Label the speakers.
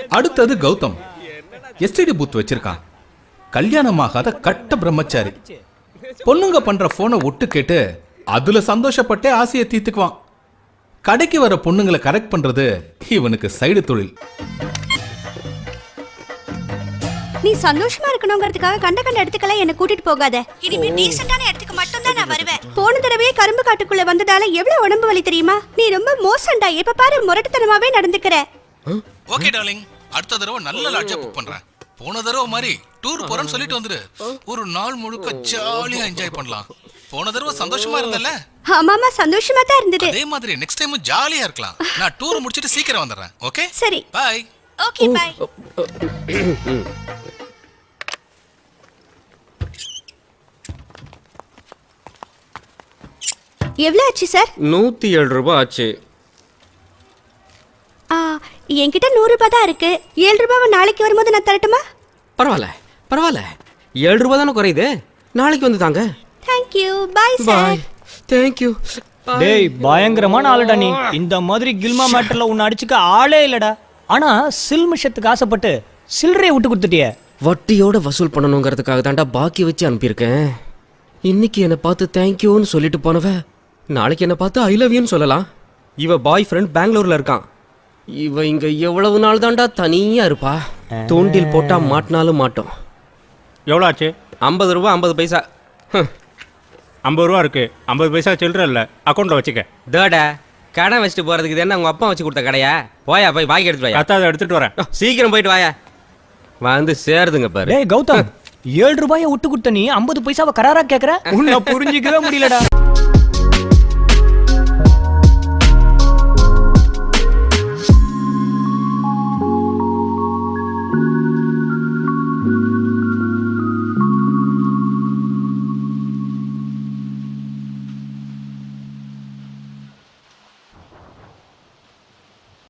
Speaker 1: அடுத்தது Gautham. STD booth வச்சிருக்கான். கல்யாணமாகாத கட்ட பிரம்மச்சாரி. பொண்ணுங்க பண்ற போனை ஒட்டு கேட்டு அதுல சந்தோஷப்பட்டே ஆசையை தீர்த்துக்குவான். கடைக்கு வர பொண்ணுங்களை கரெக்ட் பண்றது இவனுக்கு சைடு தொழில்.
Speaker 2: நீ சந்தோஷமா இருக்கணுங்கிறதுக்காக கண்ட இடத்துக்கெல்லாம் என்ன கூட்டிட்டு போகாத. இனிமே டீசென்ட்டான இடத்துக்கு மட்டும் தான் நான் வருவேன். போன தடவையே கரும்பு காட்டுக்குள்ள வந்ததால எவ்வளவு உடம்பு வலி தெரியுமா? நீ ரொம்ப மோசம்டா. எப்ப பாரு முரட்டுத்தனமாவே நடந்துக்கிற.
Speaker 1: ஓகே டார்லிங், அடுத்த தடவை நல்ல லாட்ஜா புக் பண்றேன். போன தடவை மாதிரி டூர் போறேன்னு சொல்லிட்டு வந்துரு. ஒரு நாள் முழுக்க ஜாலியா என்ஜாய் பண்ணலாம். போன தடவை சந்தோஷமா இருந்தல்ல?
Speaker 2: ஆமாமா, சந்தோஷமா தான் இருந்தது.
Speaker 1: அதே மாதிரி நெக்ஸ்ட் டைம் ஜாலியா இருக்கலாம். நான் டூர் முடிச்சிட்டு சீக்கிரம் வந்துடுறேன். ஓகே
Speaker 2: சரி,
Speaker 1: பை.
Speaker 2: Okay bye. எவ்வளவு ஆச்சு சார்?
Speaker 3: 107 ரூபாய் ஆச்சு.
Speaker 2: என்கிட்ட 100 ரூபாய் தான் இருக்கு. 7 ரூபாவை நாளைக்கு வரும்போது நான் தரட்டுமா?
Speaker 3: பரவாயில்ல பரவாயில்ல, 7 ரூபாய் தானே குறையுது. நாளைக்கு வந்து தாங்க.
Speaker 2: தேங்க்யூ. Bye sir.
Speaker 3: தேங்க்யூ.
Speaker 4: டேய், பயங்கரமான ஆளுடா நீ. இந்த மாதிரி கில்மா மேட்டர்ல உன்னை அடிச்சுக்க ஆளே இல்லடா. ஆனா சில்மிஷத்துக்கு ஆசைப்பட்டு சில்லறையை விட்டு கொடுத்துட்டியே.
Speaker 3: வட்டியோட வசூல் பண்ணணுங்கிறதுக்காக தாண்டா பாக்கி வச்சு அனுப்பியிருக்கேன். இன்னைக்கு என்னை பார்த்து தேங்க்யூன்னு சொல்லிட்டு போனவ நாளைக்கு என்னை பார்த்து ஐ லவ் யூன்னு சொல்லலாம். இவ பாய் ஃப்ரெண்ட் பெங்களூர்ல இருக்கான். இவ இங்க எவ்வளவு நாள் தாண்டா தனியா இருப்பா. தூண்டில் போட்டா மாட்டினாலும் மாட்டோம்.
Speaker 5: எவ்வளோ ஆச்சு?
Speaker 3: 50 ரூபா 50 பைசா.
Speaker 5: 50 ரூபா இருக்கு. 50 பைசா சில்லற இல்லை, அக்கௌண்ட்ல வச்சுக்க.
Speaker 3: டேடா, கடை வச்சுட்டு போறதுக்கு இது என்ன உங்க அப்பா வச்சு கொடுத்த கடையா? போயா போய் பாக்கி எடுத்துட்டு வாயா.
Speaker 5: அத்தை, அதை எடுத்துட்டு வரேன்.
Speaker 3: சீக்கிரம் போயிட்டு வாயா. வந்து சேருதுங்க பாரு.
Speaker 4: டேய் கௌதம், 7 ரூபாயை விட்டு கொடுத்த நீ 50 பைசாவை கராரா கேக்குற? உன்னை புரிஞ்சிக்கவே முடியலடா.